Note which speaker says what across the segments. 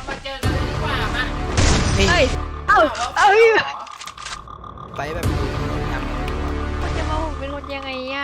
Speaker 1: มาเจอกันดีกว่ามา
Speaker 2: นี่
Speaker 3: เอ้ยเอ้า
Speaker 2: ไปแบบงาม
Speaker 3: มันจะมาผมเป็นคนยังไงอ่ะ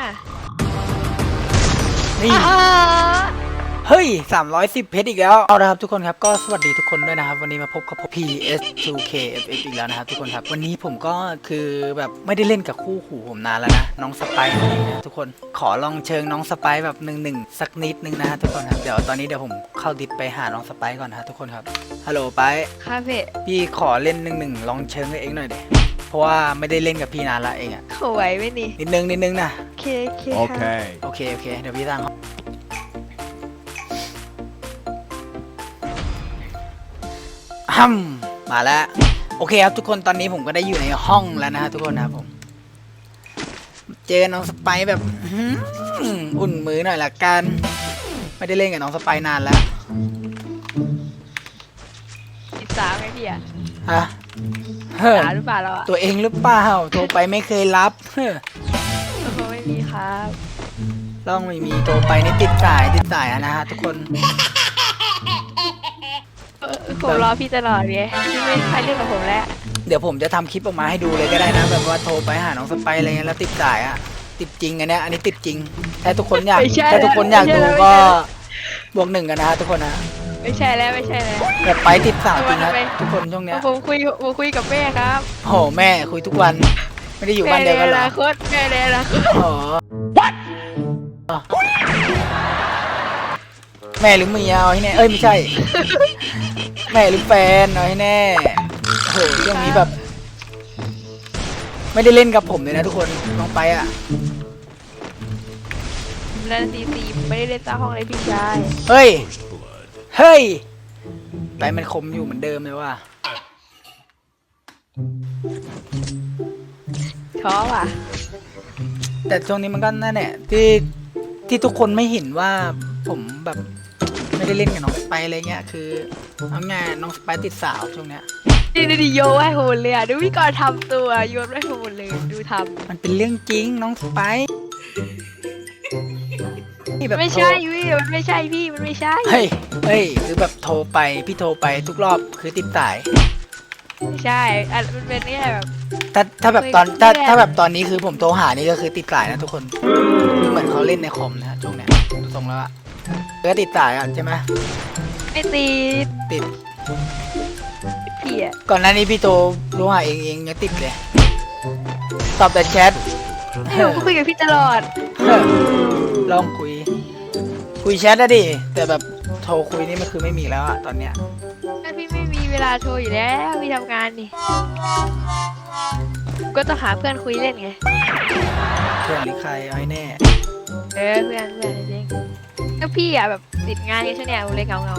Speaker 2: นี่
Speaker 3: อ่า
Speaker 2: เฮ้ย310เพชรอีกแล้วเอาละครับทุกคนครับก็สวัสดีทุกคนด้วยนะครับวันนี้มาพบกับผม PS2KFF อีกแล้วนะครับทุกคนครับวันนี้ผมก็คือแบบไม่ได้เล่นกับคู่หูผมนานแล้วนะน้องสไปซ์อะไรนะทุกคนขอลองเชิงน้องสไปซ์แบบหนึ่งสักนิดนึงนะทุกคนครับเดี๋ยวตอนนี้เดี๋ยวผมเข้าดิสไปหาน้องสไปซ์ก่อนนะทุกคนครับฮัลโหลไป
Speaker 3: คาเฟ่
Speaker 2: พี่ขอเล่นหนึ่งลองเชิงกับเองหน่อยดิเพราะว่าไม่ได้เล่นกับพี่นานละเองอะ
Speaker 3: เขาไหวไหมนี่
Speaker 2: นิดนึงนะ
Speaker 3: เค
Speaker 4: โอเค
Speaker 2: โอเคเดี๋ยวพี่ตั้งมาแล้วโอเคครับทุกคนตอนนี้ผมก็ได้อยู่ในห้องแล้วนะฮะทุกคนนะครับผมเจอน้องสไปซ์แบบอุ่นมือหน่อยละกันไม่ได้เล่นกับน้องสไปซ์นานแล้ว
Speaker 3: ติดสาวไงพี่อ่ะ
Speaker 2: ฮะเฮ้อ
Speaker 3: สาวหรือเปล่าเราอ่ะ
Speaker 2: ตัวเองหรือเปล่าโทรไปไม่เคยรับเฮ้อ
Speaker 3: เขาไม่มีครับ
Speaker 2: ลองไม่มีโทรไปนี่ติดสายนะฮะทุกคน
Speaker 3: ผมรอพี่ตลอดไงพี่ไม่ใครเล่นกับผมแล้ว
Speaker 2: เดี๋ยวผมจะทำคลิปออกมาให้ดูเลยก็ได้นะแบบว่าโทรไปหาน้องสไปซ์อะไรเงี้ยแล้วติดสายอ่ะติดจริงอันเนี้ยอันนี้ติดจริงถ้าทุกคนอยากดูก็บวก 1กันนะฮะทุกคนนะ
Speaker 3: ไม่ใช่แล้วไม่ใช่แล้ว
Speaker 2: แบบไปติดสาวจริงนะทุกคนช่วงเนี้ย
Speaker 3: ผมคุยกับแม่ครับ
Speaker 2: โหแม่คุยทุกวันไม่ได้อยู่บ้านเดียวกันเหรอ
Speaker 3: แม่ในอนาคต
Speaker 2: อ๋อแม่หรือเมียเอาให้แน่เอ้ยไม่ใช่ แม่หรือแฟนเอาให้แน่โอ้โหช่วงนี้แบบ ไม่ได้เล่นกับผมเลยนะทุกคนน้องไปอ่ะ
Speaker 3: แล้วซีไม่ได้เล่นตาห้องเลยพี่ชาย
Speaker 2: เฮ้ยไปมันคมอยู่เหมือนเดิมเลยว่ะ
Speaker 3: ท้อว่ะ
Speaker 2: แต่ช่วงนี้มันก็นั่นแหละที่ทุกคนไม่เห็นว่าผมแบบไม่ได้เล่นกับน้องสไปซ์อะไรเงี้ยคือเอาง่ายน้องสไปซ์ติดสาวช่วงเนี้ย
Speaker 3: ดีโยให้โหดเลยอ่ะดูพี่กรณ์ทำตัวโยนให้โหดเลยดูท
Speaker 2: มันเป็นเรื่องจริงน้องสไปซ์นี่แบบ
Speaker 3: ำไม่ใช่พี่มันไม่ใช่พี่มันไม่ใช่
Speaker 2: เฮ้ยคือแบบโทรไปพี่โทรไปทุกรอบคือติดสาย
Speaker 3: ไม่ใช่อ่ะมันเป็นแค่แบบ
Speaker 2: ถ้าแบบตอน
Speaker 3: ไม่ได้
Speaker 2: ถ้าแบบตอนนี้คือผมโทรหานี่ก็คือติดสายนะทุกคนคือเหมือนเขาเล่นในคอมนะฮะช่วงเนี้ยดูทรงแล้วอะก็ติดสายอ่ะใช่ไหม
Speaker 3: ไม่ติด
Speaker 2: ติด
Speaker 3: พี่อ่ะ
Speaker 2: ก่อนหน้านี้พี่โทรรู้หาเองยังติดเลยตอบแต่แชท
Speaker 3: ผมก็คุยกับพี่ตลอด
Speaker 2: ลองคุยแชทได้ดิแต่แบบโทรคุยนี่มันคือไม่มีแล้วอะตอนเนี้ย
Speaker 3: ถ้าพี่ไม่มีเวลาโทรอยู่แล้วพี่ทำงานนี่ก็ต้องหาเพื่อนคุยเล่นไง
Speaker 2: เพื่อนหรือใครเอาให้แน่
Speaker 3: เพื่อนจริงก็พี่อ่ะแบบติดงานกันช่วงเนี้ยเลยเงา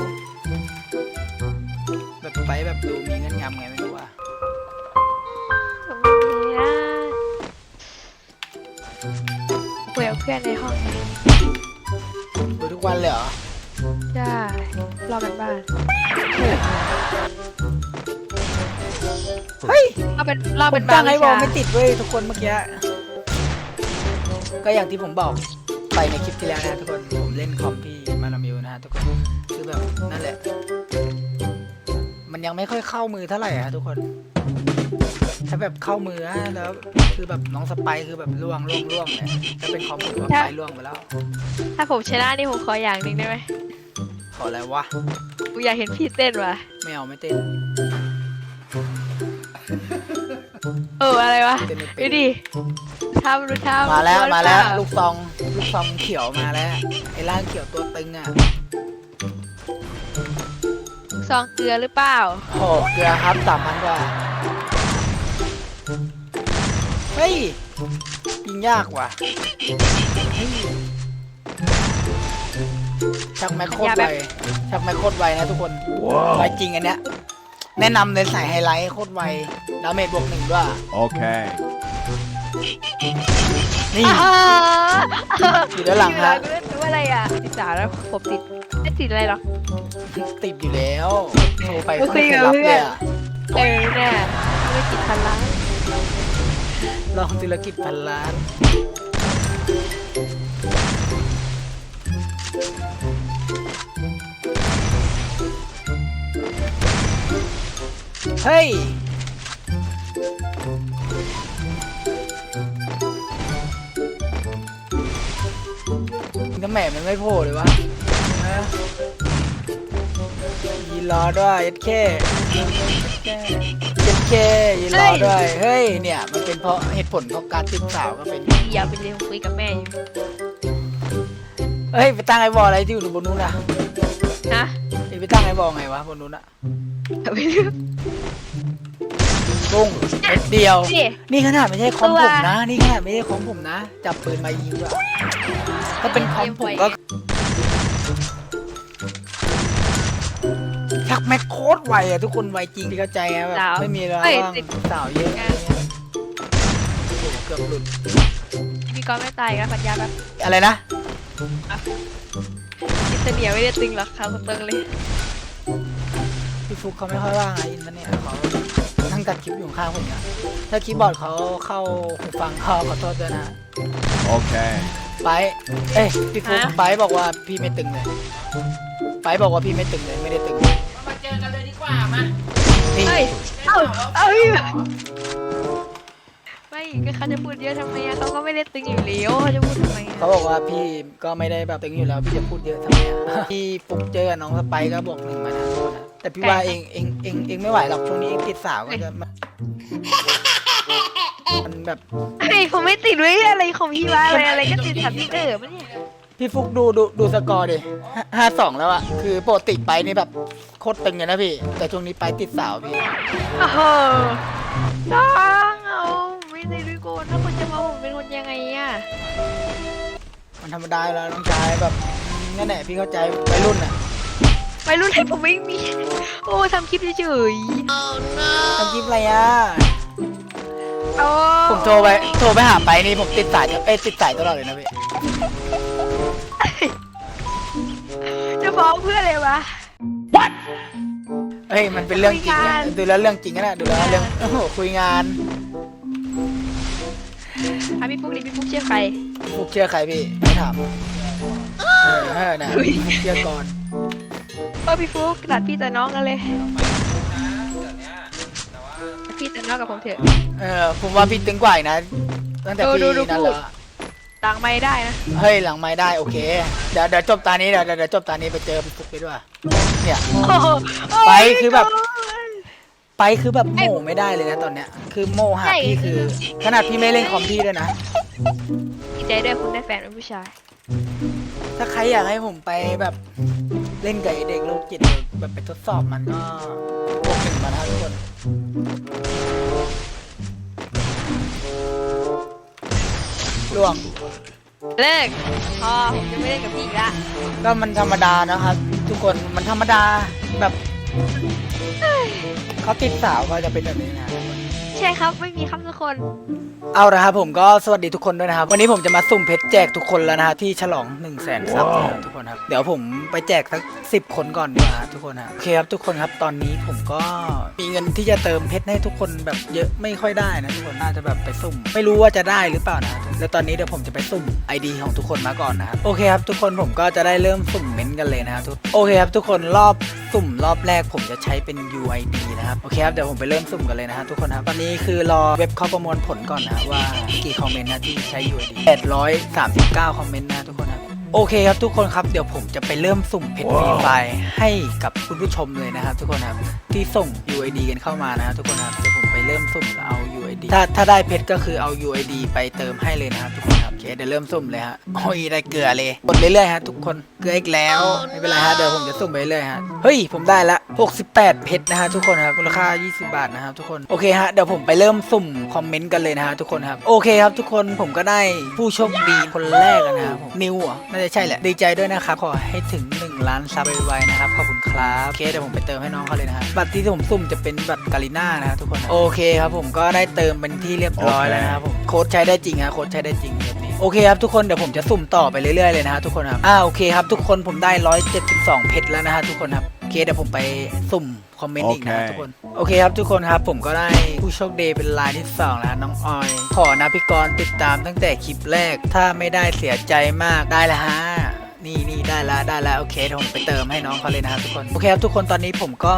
Speaker 2: แบบไปแบบดูมีเงินงำไงไม่รู้ว่า
Speaker 3: ผมไม่มีนะคุยกับเพื่อนในห้อง
Speaker 2: ดูทุกวันเลยเหรอ
Speaker 3: ใช่รอกันบ้าน
Speaker 2: เฮ้ย
Speaker 3: รอ
Speaker 2: ผ
Speaker 3: เป็น
Speaker 2: ม
Speaker 3: บ้า
Speaker 2: ตั้
Speaker 3: น
Speaker 2: งให้วอล
Speaker 3: วิชา
Speaker 2: ไม่ติดเว้ยทุกคนเมื่อกี้ก็อย่างที่ผมบอกไปในคลิปที่แล้วนะทุกคนผมเล่นคอมที่มานามิวนะฮะทุกคนคือแบบนั่นแหละ มันยังไม่ค่อยเข้ามือเท่าไหร่อะทุกคน ถ้าแบบเข้ามืออะแล้วคือแบบน้องสไปซ์คือแบบล่วงเนี่ยถ้าเป็นคอมผมว่าไปล่วงไปแล้ว
Speaker 3: ถ้าผมชนะนี่ผมขออย่างหนึ่งได้ไหม
Speaker 2: ขออะไรวะ
Speaker 3: กูอยากเห็นพี่เต้นว่ะ
Speaker 2: ไม่เอาไม่เต้น
Speaker 3: อะไรวะ
Speaker 2: เต้นไม่
Speaker 3: ดู
Speaker 2: เป็น
Speaker 3: ดิทำดูทำ
Speaker 2: มาแล้ว
Speaker 3: ดู
Speaker 2: มาแล้ว
Speaker 3: เป
Speaker 2: ลูกซองเขียวมาแล้วไอ้ร่างเขียวตัวตึงอ่ะ
Speaker 3: ซองเกลือหรือเปล่า
Speaker 2: โอ้เกลือครับ3,000 กว่าเฮ้ยยิงยากว่ะชักแม็กโคตรไวนะทุกคนไวจริงอันเนี้ยแนะนำเลยใส่ไฮไลท์โคตรไวดาเมจบวก 1ด้วย
Speaker 4: Okay.
Speaker 2: นี่ อยู่ด้านหลังฮะ
Speaker 3: กูเล่นรู้อะไรอ่ะติดสาวแล้วผมติดไม่ติดอะไรหรอก
Speaker 2: ติดอยู่แล้วโทรไป
Speaker 3: โอเค
Speaker 2: ไม่เคยรับเลยอะ
Speaker 3: เนี่ยธุรกิจพันล้าน
Speaker 2: ลองธุรกิจพันล้านเฮ้ยทำไมมันไม่โผล่เลยวะฮะยีรอด้วยเอ็ดเคยีรอด้วยเฮ้ยเนี่ยมันเป็นเพราะเหตุผลของการติดสาวก็เป็น
Speaker 3: อย่าไปเรียนคุยกับแม่อยู่
Speaker 2: เฮ้ยไปตั้งไอ้บอลอะไรที่อยู่บนนู้นนะ
Speaker 3: นะ
Speaker 2: ไปตั้งไอ้บอลไงวะบนนู้นอะ
Speaker 3: อย่าไปเรียน
Speaker 2: ปุ้งเม็ดเดียว
Speaker 3: นี่
Speaker 2: นี่ขนาดไม่ใช่คอม
Speaker 3: ตัว
Speaker 2: ผมนะ นี่ขนาดไม่ใช่คอมผมนะ จับปืนมายิงอะถ้าเป็นคอมผมก็ชักแม็กโคตรไวอะทุกคนไวจริงที่เข้าใจอะแบบไม่มีแล้วว่างสาวเยอะอะไรเงี้ยโอ้โหเกือบหลุด
Speaker 3: พี่กอนไม่ตายกันสัญญาแบบ
Speaker 2: อะไรนะ
Speaker 3: อินเตอร์เนียไม่ได้ตึงหรอกครับตึงเลย
Speaker 2: พี่ฟุกเขาไม่ค่อยว่างไงอินเทอร์เน็ตเขานั่งตัดคลิปอยู่ข้างผมเนี่ยถ้าคีย์บอร์ดเขาเข้าหูฟังเขาขอโทษด้วยนะ
Speaker 1: Okay.
Speaker 2: ไปเอ้ยพี่ฟุกไปบอกว่าพี่ไม่ตึงเลยไปบอกว่าพี่ไม่ตึงเลยไม่ได้ตึง
Speaker 4: มาเจอกันเลยดีกว่ามา
Speaker 2: นี่
Speaker 3: เฮ้ยเอ้ยไม่ก็เขาจะพูดเยอะทำไมอะเขาก็ไม่ได้ตึงอยู่แล้วเขาจะพูดทำไมอะ
Speaker 2: เขาบอกว่าพี่ก็ไม่ได้แบบตึงอยู่แล้วพี่จะพูดเยอะทำไมอ่ะ พี่ฟุกเจอกับน้องสไปร์ก็บอกหนึ่งมานะแต่พี่ว่าเองไม่ไหวหรอกช่วงนี้เองติดสาวก็จะมันแบบ
Speaker 3: เฮ้ยผมไม่ติดไว้อะไรของพี่วะอะไรก็ติดสับพี่มันเนี่ย
Speaker 2: พี่ฟุกดูสกอร์ดิ5-2แล้วอะคือปกติไปนี่แบบโคตรตึงเลยนะพี่แต่ช่วงนี้ไปติดสาวพี่
Speaker 3: โอ้โหต้องเอาไม่ได้ด้วยกูถ้าคุณจะมาผมเป็นคนยังไงอะ
Speaker 2: มันธรรมดาอยู่แล้วน้องชายแบบนั่นแหละพี่เข้าใจวัยรุ่นอะ
Speaker 3: ไปรุ่นให้ผมไม่มี โอ้ทำคลิปเฉย
Speaker 2: ทำคลิปอะไรอะ
Speaker 3: ๆโอ้
Speaker 2: ผมโทรไปหาไปนี่ผมติดสายติดสายตลอดเลยนะพี่
Speaker 3: จะฟ้องเพื่ออะไรวะ
Speaker 2: เฮ้ยมันเป็นเรื่องจริง
Speaker 3: คุยกั
Speaker 2: อะ
Speaker 3: น
Speaker 2: ดูแล้วเรื่องจริงนะดูแล้วเรื่องโอ้โหคุยงาน
Speaker 3: อ่ะพี่ปุ๊กดิพี่ปุ๊กเชื่อใคร
Speaker 2: ฟุกเชื่อใครพี่ไม่ถามนะ
Speaker 3: อุ๊ย
Speaker 2: ฟุกเชื่อก่อน
Speaker 3: พี่ปุ๊กตัดพี่แต่น้องกันเลยพี่แต่น้องกับผมเถอะ
Speaker 2: ผมว่าพี่ตึงกว่าอีกนะตั้งแต่พี่
Speaker 3: ดู
Speaker 2: นั่น
Speaker 3: พู
Speaker 2: แล้
Speaker 3: ด
Speaker 2: ว
Speaker 3: ต่างไม่ได้นะ
Speaker 2: เฮ้ยหลังไม่ได้โอเคเดี๋ยวจบตานี้เดี๋ยวจบตานี้ไปเจอพี่ฟุกไปด้วยเนี่ย
Speaker 3: โอ้โห
Speaker 2: ไปคือแบบ ไปคือแบบโม่ไม่ได้เลยนะตอนเนี้ยคือโม่หาพี่คือขนาดพี่ไม่เล่นคอมพี่ด้วยนะ
Speaker 3: ดีใจด้วยคุณได้แฟนเป็นผู้ชาย
Speaker 2: ถ้าใครอยากให้ผมไปแบบเล่นกับไอ้เด็กโรคจิตแบบไปทดสอบมันก็บวก1มานะทุกคนล่วง
Speaker 3: เลิกพอผมจะไม่เล่นกับพี่อีกละ
Speaker 2: ก็มันธรรมดานะครับ ทุกคนมันธรรมดาแบบเขาติดสาวก็จะเป็นแบบนี้นะ
Speaker 3: ใช่ครับไม่มีครับทุกคน
Speaker 2: เอาละครับผมก็สวัสดีทุกคนด้วยนะครับวันนี้ผมจะมาสุ่มเพชรแจกทุกคนแล้วนะฮะที่ฉลอง 100,000 ซับนะครับทุกคนครับเดี๋ยวผมไปแจกสัก10 คนก่อนดีกว่าฮะทุกคนฮะโอเคครับทุกคนครับตอนนี้ผมก็มีเงินที่จะเติมเพชรให้ทุกคนแบบเยอะไม่ค่อยได้นะทุกคนน่าจะแบบไปสุ่มไม่รู้ว่าจะได้หรือเปล่านะแล้วตอนนี้เดี๋ยวผมจะไปสุ่ม ID ของทุกคนมาก่อนนะครับโอเคครับทุกคนผมก็จะได้เริ่มสุ่มเม้นต์กันเลยนะครับโอเคครับทุกคนรอบสุ่มรอบแรกผมจะใช้เป็น UID นะครับโอเคครับเดี๋ยวผมไปเริ่มสุ่มกันเลยนะฮะทุกคนครับตอนนี้คือรอเว็บเขาประมวลผลก่อนนะว่ากี่คอมเมนต์นะที่ใช้ UID 839 คอมเมนต์นะทุกคนครับโอเคครับทุกคนครับเดี๋ยวผมจะไปเริ่มสุ่มเพชรฟรีไฟล์ให้กับคุณผู้ชมเลยนะครับทุกคนครับที่ส่ง UID กันเข้ามานะครับทุกคนครับเดี๋ยวผมไปเริ่มสุ่มแล้วเอา UID ถ้าได้เพชรก็คือเอา UID ไปเติมให้เลยนะครับทุกคนครับโอเคเดี๋ยวเริ่มสุ่มเลยฮะโอ้ยได้เกลือเลยกดเรื่อยๆฮะทุกคนเกลืออีกแล้วไม่เป็นไรฮะเดี๋ยวผมจะสุ่มไปเรื่อยๆฮะเฮ้ยผมได้ละ68เพชรนะฮะทุกคนครับมูลค่า20 บาทนะครับทุกคนโอเคฮะเดี๋ยวผมไปเริ่มสุ่มคอมเมนต์กันเลยนะฮะทุกคนครับโอเคครับทุกคนผมก็ได้ผู้โชคดีคนแรกแล้วนะครับผมนิวอ่ะน่าจะใช่แหละดีใจด้วยนะครับขอให้ถึง1 ล้านซับไวๆนะครับขอบคุณครับโอเคเดี๋ยวผมไปเติมให้น้องเขาเลยนะฮะบัตรที่ผมสุ่มจะเป็นบัตรกาลิน่านะครับทุกคนโอเคครับผมก็ได้เติมเป็นที่เรียบร้อยแล้วนะครับผมโค้ดใช้ได้จริงฮะโค้ดใช้ได้จริงแบบนี้โอเคครับทุกคนเดี๋ยวผมจะสุ่มต่อไปเรื่อยๆเลยนะฮะทุกคนครับโอเคครับทุกคนผมได้172เพชรแล้วนะฮะทุกคนครับโอเคเดี๋ยวผมไปสุ่มคอมเมนต์อีกนะทุกคนโอเคครับทุกคนครับผมก็ได้ผู้โชคดีเป็นรายที่2แล้วน้องออยขอนะพี่กรณ์ติดตามตั้งแต่คลิปแรกถ้าไม่ได้เสียใจมากได้ละฮะนี่ได้แล้วโอเคเดี๋ยวผมไปเติมให้น้องเขาเลยนะครับทุกคนโอเคครับทุกคนตอนนี้ผมก็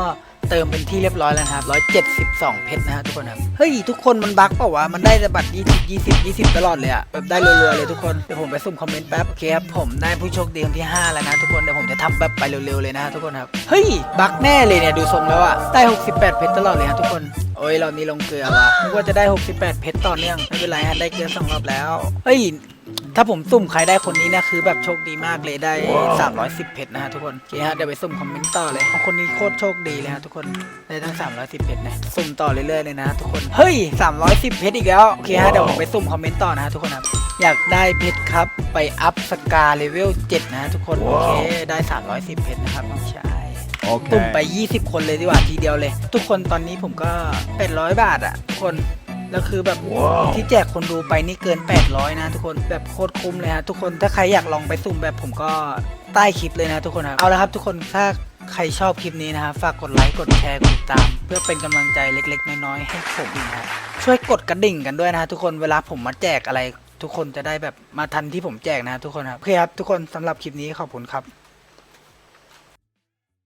Speaker 2: เติมเป็นที่เรียบร้อยแล้วนะครับ172เพชรนะฮะทุกคนครับเฮ้ยทุกคนมันบั๊กเปล่าวะมันได้แต่บัตร20 ตลอดเลยอะแบบได้รัวๆเลยทุกคนเดี๋ยวผมไปสุ่มคอมเมนต์แป๊บโอเคครับผมได้ผู้โชคดีคนที่5แล้วนะทุกคนเดี๋ยวผมจะทำแบบไปเร็วๆเลยนะทุกคนครับเฮ้ยบั๊กแน่เลยเนี่ยดูทรงแล้วอะได้68เพชรตลอดเลยฮะทุกคนโอ้ยเรานี่ลงเกลือว่ะนึกว่าจะได้68เพชรต่อเนื่องไม่เป็นไรฮะได้เกลือ2 รอบแล้วเฮ้ยถ้าผมสุ่มใครได้คนนี้นะคือแบบโชคดีมากเลยได้310เพชรนะฮะทุกคนโอเคฮะเดี๋ยวไปสุ่มคอมเมนต์ต่อเลยคนนี้โคตรโชคดีเลยฮะทุกคนได้ตั้ง310เพชรนะสุ่มต่อเรื่อยๆเลยนะทุกคนเฮ้ย310เพชรอีกแล้วโอเคฮะเดี๋ยวผมไปสุ่มคอมเมนต์ต่อนะฮะทุกคนครับอยากได้เพชรครับไปอัพสกาเลเวล7นะฮะทุกคนโอเคได้310เพชรนะครับน้องชายตุ่มไป20คนเลยดีกว่าทีเดียวเลยทุกคนตอนนี้ผมก็800 บาทอะทุกคนแล้วคือแบบที่แจกคนดูไปนี่เกิน800นะทุกคนแบบโคตรคุ้มเลยฮะทุกคนถ้าใครอยากลองไปสุ่มแบบผมก็ใต้คลิปเลยนะทุกคนครับเอาละครับทุกคนถ้าใครชอบคลิปนี้นะครับฝากกดไลค์กดแชร์กดติดตามเพื่อเป็นกำลังใจเล็กๆน้อยๆให้ผมนะฮะช่วยกดกระดิ่งกันด้วยนะทุกคนเวลาผมมาแจกอะไรทุกคนจะได้แบบมาทันที่ผมแจกนะทุกคนครับโอเคครับทุกคนสำหรับคลิปนี้ขอบคุณครับ